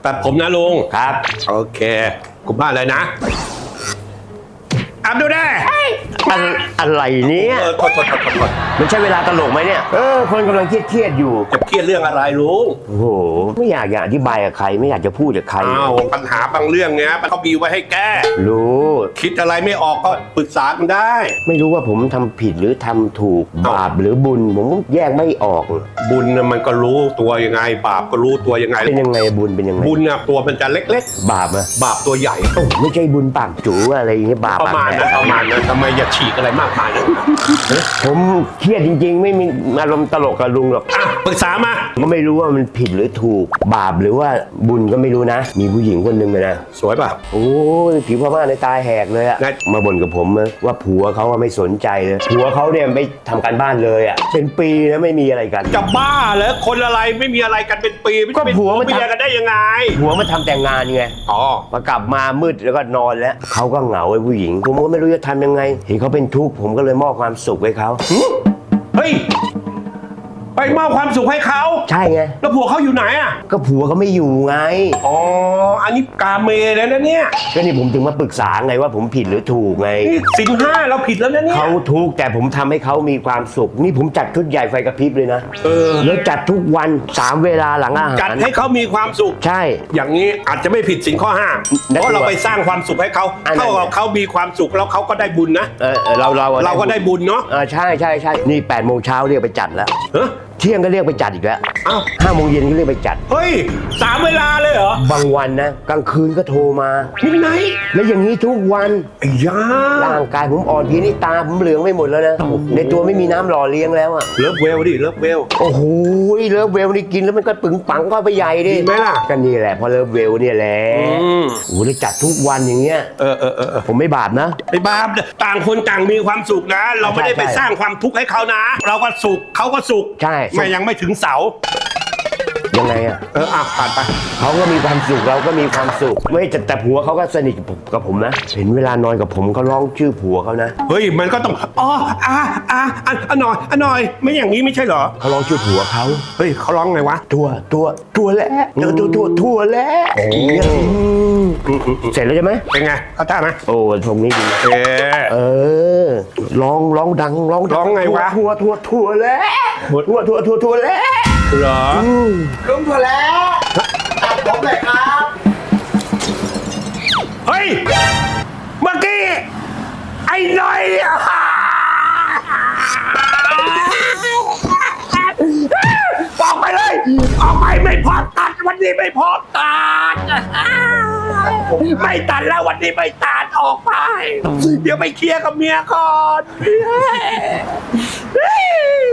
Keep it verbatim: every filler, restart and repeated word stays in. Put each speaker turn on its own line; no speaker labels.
ตัดผมนะลุง
ครับ
โอเคคุณบ้านอะไรนะอับดูได้
อะอะไรเนี่ย
เออโทษโทษโทษโทษ
มันใช่เวลาตลกไหมเนี่ยเออคนกำลังเครียดๆอยู่
จะเครียดเรื่องอะไรลุง
โอ้โหไม่อยากจะอธิบายกับใครไม่อยากจะพูดกับใคร
อ้าวปัญหาบางเรื่องเนี้ยมันเขามีไว้ให้แก้
รู้
คิดอะไรไม่ออกก็ปรึกษากันได้
ไม่รู้ว่าผมทำผิดหรือทำถูกบาปหรือบุญผมก็แยกไม่ออก
บุญน่ะมันก็รู้ตัวยังไง บาปก็รู้ตัวยังไง
เป็นยังไงบุญเป็นยังไง
บุญน่ะตัวมันจะเล็ก
บาปอะ
ๆ บาปตัวใหญ่
โอ้ไม่ใช่บุญปากจูอะไรอย่างเงี้ยบาป
ประมาณนั้นประมาณนั้นทำไมอย่าฉีกอะไรมากมายนะ
ผมเครียดจริงๆ ไม่มีอารมณ์ตลกกับลุงหรอก
อ่ะปรึกษามา
ก็ไม่รู้ว่ามันผิดหรือถูกบาปหรือว่าบุญก็ไม่รู้นะ มีผู้หญิงคนหนึ่งเลยนะ
สวยป่ะ
โอ้ยผิวพม่าในตาแหกเลยอะ
ไง
มาบ่นกับผมนะว่าผัวเขาอะไม่สนใจเลยผัวเขาเนี่ยไม่ทำการบ้านเลยอะเป็นปีแล้วไม่มีอะไรกัน
จะบ้าเหรอคนอะไรไม่มีอะไรกันเป็นปี
ก็ผัวมัน
เมียกันได้ยังไง
ผัวมาทำแต่งงานไง
อ๋อ
พอกลับมามืดแล้วก็นอนแล้วเขาก็เหงาไอ้ผู้หญิง ผมก็ไม่รู้จะทำยังไง เห็นเขาเป็นทุกข์ผมก็เลยมอบความสุขให้เขา
เฮ้ยไปมอบความสุขให้เขา
ใช่ไง
แล้วผัวเขาอยู่ไหนอ่ะ
ก็ผัวเขาไม่อยู่ไง
อ๋ออันนี้กาเมแล้วนะเนี่ย
ก็นี่ผมถึงมาปรึกษาไงว่าผมผิดหรือถูกไง
นี่สินห้าเราผิดแล้วนะเนี่ย
เขาทุกข์แต่ผมทำให้เขามีความสุข นี่ผมจัดชุดใหญ่ไฟกระพริบเลยนะ
เออ
แล้วจัดทุกวันสามเวลาหลังอาหาร
จัดให้เขามีความสุข
ใช่
อย่างนี้อาจจะไม่ผิดสินข้อห้า
นั่น
เพราะเราไปสร้างความสุขให้เขา
อันนั้น
เท่ากับเขามีความสุขแล้วเขาก็ได้บุญนะ
เออเออเราเรา
เราก็ได้บุญเนาะ
เออใช่ใช่ใช่นี่แปดโมงเช้าเรียกไปจัดแล้ว
เฮ้ย
เที่ยงก็เรียกไปจัดอีกแล้ว
เอ้า
ห้าโมงเย็นก็เรียกไปจัด
เฮ้ยสามเวลาเลยเหรอบ
างวันนะกลางคืนก็โทรมา
มิดไนท์
แล้วอย่างนี้ทุกวัน
ไอ้ยา
ร่างกายผมอ่อนเพลียนี่ตาผมเหลืองไปหมดแล้วนะ
โอ้โห
ในตัวไม่มีน้ำหล่อเลี้ยงแล้วอ่ะ
เลิฟเวลดิเลิฟเวล
โอ้โหเลิฟเวลนี่กินแล้วมันก็ปึงปังก็ไปใหญ่ดิ
ดีไหมล่ะ
ก็นี่แหละเพอเลิฟเวลเนี่ยแหละ
อืม
โอ้โหเลยจัดทุกวันอย่างเงี้ย
เออเออเออเออ
ผมไม่บาปนะ
ไอ้บาปต่างคนต่างมีความสุขนะ เราไม่ได้ไป
ใช่
สร้างความทุกข์ให้เขานะ เราก็สุขเขาก็สุข
ใช่
ไม่ยังไม่ถึงเสา
ยังไงอ่ะ
เอออ่ะผ่านไป
เขาก็มีความสุขเราก็มีความสุขไม่แต่แต่ผัวเขาก็สนิทกับผมกับผมนะ เห็นเวลานอนกับผมเขาร้องชื่อผัวเขานะ
เฮ้ยมันก็ต้องอ๋ออ่ะอ่ะอ่ะอ่ะหน่อยอ่ะหน่อย ไม่อย่างนี้ไม่ใช่เหรอ
เขาร้องชื่อผัวเขา
เฮ้ยเขาร้องไงวะ
ตัวตัวตัวแล้วเจอตัวตัวตัวแล้ว
โอ้
เสร็จแล้วใช่ไหม
เป็นไงเขาท่าไหม
โอ้ตรงนี้ดี
เออ
เออร้องร้องดังร้องดั
ร้องไงวะ
ทั่วทั่วทั่วแล้วทั่วทั่วทั่วทั่วแล้ว
เหรอ
ลุงถั่วแล้วตัดผมเลยครับ
เฮ้ยเมื่อกี้ไอ้หน่อยออกไปเลย ออกไปไม่พอตัดวันนี้ไม่พอตัดไม่ตัดแล้ววันนี้ไม่ตัดออกไป เดี๋ยวไปเคลียร์กับเมียก่อน